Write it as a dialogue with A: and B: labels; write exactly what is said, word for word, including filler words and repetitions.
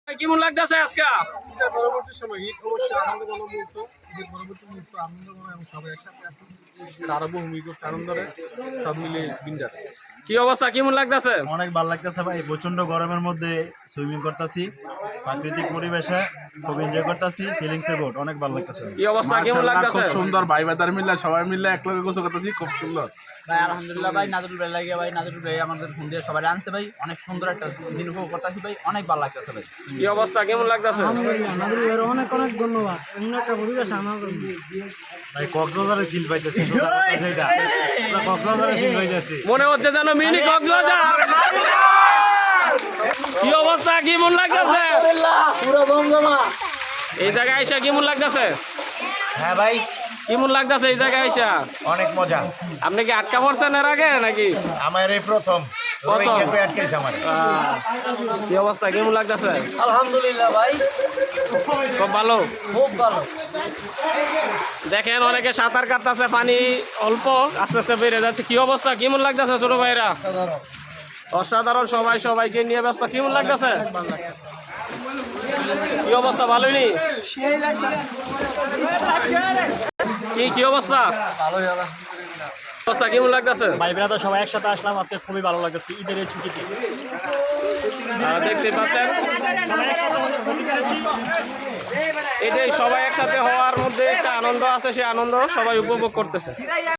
A: কেমন লাগতেছে আজকে?
B: পরবর্তী সময় ঈদ অবশ্যই আনন্দঘন মুহূর্ত, ঈদের পরবর্তী মুহূর্ত আনন্দঘন এবং সবাই একসাথে এখন আরো বহু করছে আনন্দরে সব মিলে বিন্দাস।
A: কি অবস্থা, কেমন লাগতেছে?
C: অনেক ভালো লাগতেছে ভাই, প্রচন্ড গরমের মধ্যে সুইমিং করতেছি, প্রাকৃতিক পরিবেশে খুব এনজয় করতেছি, ফিলিংস এ গুড, অনেক ভালো লাগতেছে।
A: কি অবস্থা, কেমন লাগতেছে?
B: খুব সুন্দর, ভাই বাদার মিলে সবাই মিলে এক লগে গোসল করতেছি, খুব সুন্দর
D: ভাই। আলহামদুলিল্লাহ ভাই, নাজরুল ভাই লাগে ভাই, নাজরুল ভাই আমাদের ফোন দিয়ে সবাই আনছে ভাই, অনেক সুন্দর একটা দিন উপভোগ করতেছি ভাই, অনেক ভালো লাগতেছে ভাই।
A: কি অবস্থা, কেমন লাগতেছে?
E: আলহামদুলিল্লাহ, নাজরুল ভাইয়ের অনেক অনেক ধন্যবাদ। এমন একটা পরিবেশ আমার
C: ভাই কক্সবাজারে ফিল পাইতেছি, সেটা কক্সবাজারে ফিল পাইতেছি,
A: মনে হচ্ছে যেন মিনি কক্সবাজার। কি অবস্থা, কেমন লাগতেছে?
E: পুরো জমজমা।
A: এই জায়গায় আইসা কেমন লাগতেছে?
C: হ্যাঁ ভাই
A: কেমন লাগতেছে এই জায়গায় আইসা?
C: অনেক মজা।
A: আপনি কি আটকা পড়ছেন এর আগে নাকি?
C: আমার এই প্রথম
A: প্রথম?
C: আটকেছে আমার।
A: আহ, কি অবস্থা, কেমন লাগতেছে?
D: আলহামদুলিল্লাহ ভাই,
A: খুব ভালো।
D: খুব ভালো।
A: দেখেন অনেকে সাঁতার কাটতেছে, পানি অল্প আস্তে আস্তে বেড়ে যাচ্ছে। কি অবস্থা, কেমন লাগতেছে ছোট ভাইরা? অসাধারণ, সবাই সবাইকে নিয়ে ব্যস্ত। কেমন লাগতেছে? কি অবস্থা, ভালোই নি? কি কি অবস্থা? অবস্থা কেমন লাগতেছে?
F: ভাই বেড়াতে সবাই একসাথে আসলাম, আজকে খুবই ভালো লাগতেছে ঈদের এই ছুটিতে।
A: আহ, দেখতে পাচ্ছেন এটাই, সবাই একসাথে হওয়ার মধ্যে একটা আনন্দ আছে, সেই আনন্দ সবাই উপভোগ করতেছে।